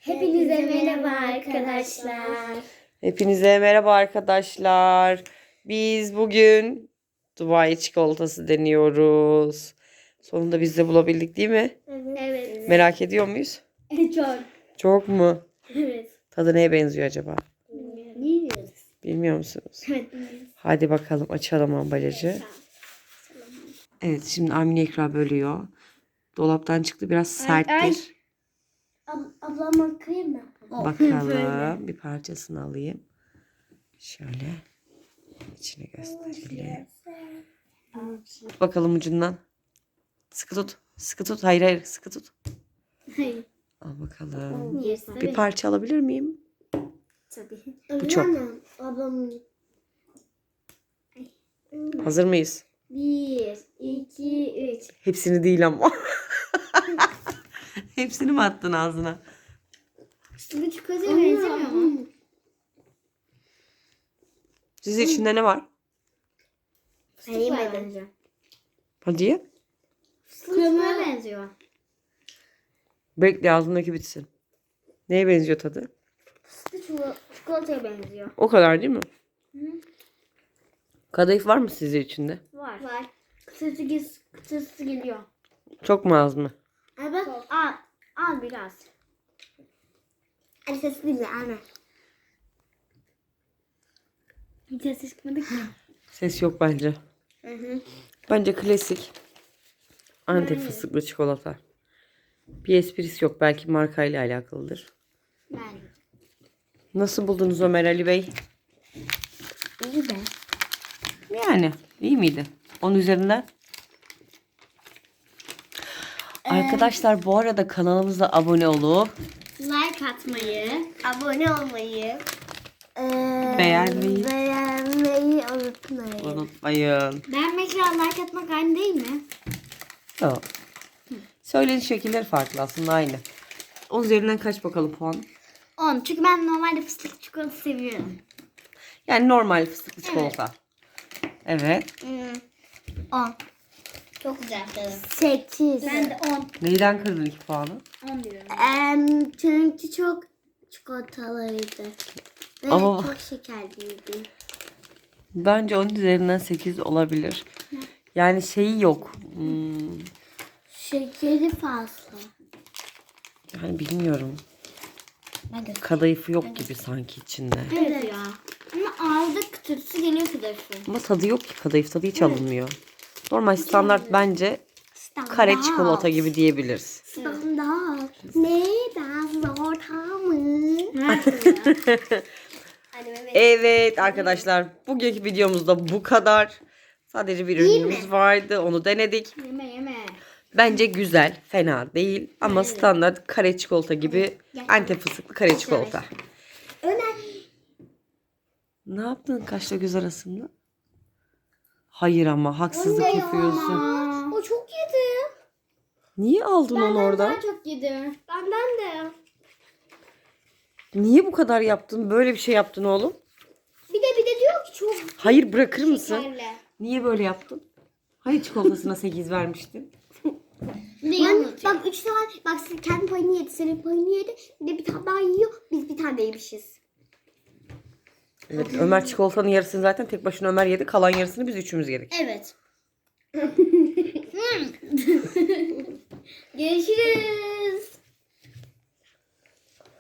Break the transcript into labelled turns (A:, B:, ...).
A: Hepinize merhaba arkadaşlar.
B: Hepinize merhaba arkadaşlar. Biz bugün Dubai çikolatası deniyoruz. Sonunda biz de bulabildik değil mi?
A: Evet.
B: Merak ediyor muyuz?
A: Çok.
B: Çok mu?
A: Evet.
B: Tadı neye benziyor acaba?
A: Bilmiyoruz.
B: Bilmiyor musunuz?
A: Evet. bilmiyoruz.
B: Hadi bakalım açalım ambalajı. Evet, şimdi Amine Ekra bölüyor. Dolaptan çıktı, biraz serttir.
A: ay. Ablama kıyım mı?
B: Bakalım, bir parçasını alayım. Şöyle içine gösterelim. Bakalım ucundan. Sıkı tut. Sıkı tut. Hayır hayır, sıkı tut.
A: Hayır.
B: Al bakalım.
A: Yersin.
B: Bir parça alabilir miyim?
A: Tabii.
B: Bu çok.
A: Ablamın.
B: Hazır mıyız?
A: 1, 2, 3.
B: Hepsini değil ama. Hepsini mi attın ağzına?
A: Bu çikolataya benzemiyor mu?
B: Sizin içinde ne var?
A: Fıstığa benziyor.
B: Hadi ye.
A: Kremaya benziyor.
B: Bekle ağzındaki bitsin. Neye benziyor tadı?
A: Çikolataya benziyor.
B: O kadar değil mi? Kadayıf var mı sizin içinde?
A: Var. Kıtırtısı geliyor.
B: Çok mu az mı?
A: Evet. Al biraz. Hadi sesi dinle anne. Hiç ses çıkmadı ki.
B: Ses yok bence. Bence klasik Antep fıstıklı çikolata. Bir esprisi yok. Belki markayla alakalıdır.
A: Ben.
B: Nasıl buldunuz Ömer Ali Bey?
A: İyi de.
B: Yani iyi miydi? Onun üzerinden. Arkadaşlar bu arada kanalımıza abone olup
A: Like atmayı, abone olmayı,
B: beğenmeyi
A: unutmayın.
B: unutmayın.
A: Beğenmekle like atmak aynı değil mi?
B: Yok. Söyleniş şekilleri farklı aslında aynı. 10 üzerinden kaç bakalım puan?
A: 10. Çünkü ben normalde fıstıklı çikolata seviyorum.
B: Yani normal fıstıklı çikolata. Evet.
A: 10. Çok güzel tadı. 8. Ben de 10.
B: Neyden kırdın 2 puanı?
A: 10 diyorum. Çünkü çok çikolatalıydı. Ve
B: Ama-
A: çok şekerliydi.
B: Bence 10 üzerinden 8 olabilir. Yani şeyi yok.
A: Şekeri fazla.
B: Yani bilmiyorum.
A: Ben de.
B: Kadayıfı yok gibi sanki içinde.
A: Evet ya. Ama ağızda kıtırtısı geliyor kadayıfı.
B: Ama tadı yok ki. Kadayıf tadı hiç alınmıyor. Normal standart bence kare çikolata gibi diyebiliriz.
A: Standart. Neden zor tamı?
B: Evet arkadaşlar, bugünkü videomuzda bu kadar. Sadece bir ürünümüz vardı. Onu denedik.
A: Yeme.
B: Bence güzel. Fena değil. Ama standart kare çikolata gibi Antep fıstıklı kare çikolata.
A: Ömer.
B: Ne yaptın kaşla göz arasında? Hayır ama haksızlık yapıyorsun.
A: O çok yedi.
B: Niye aldın onu oradan?
A: Daha çok yedi. Benden de.
B: Niye bu kadar yaptın? Böyle bir şey yaptın oğlum.
A: Bir de diyor ki çok
B: Hayır, bırakır mısın?
A: şekerli.
B: Niye böyle yaptın? Hani çikolatasına 8 vermiştin?
A: Bak 3 tane bak sen kendi payını yedi, senin payını yedi. Bir de bir tane daha yiyor. Biz bir tane de yemişiz.
B: Evet, Ömer çikolatanın yarısını zaten tek başına Ömer yedi. Kalan yarısını biz üçümüz yedik.
A: Evet. Görüşürüz.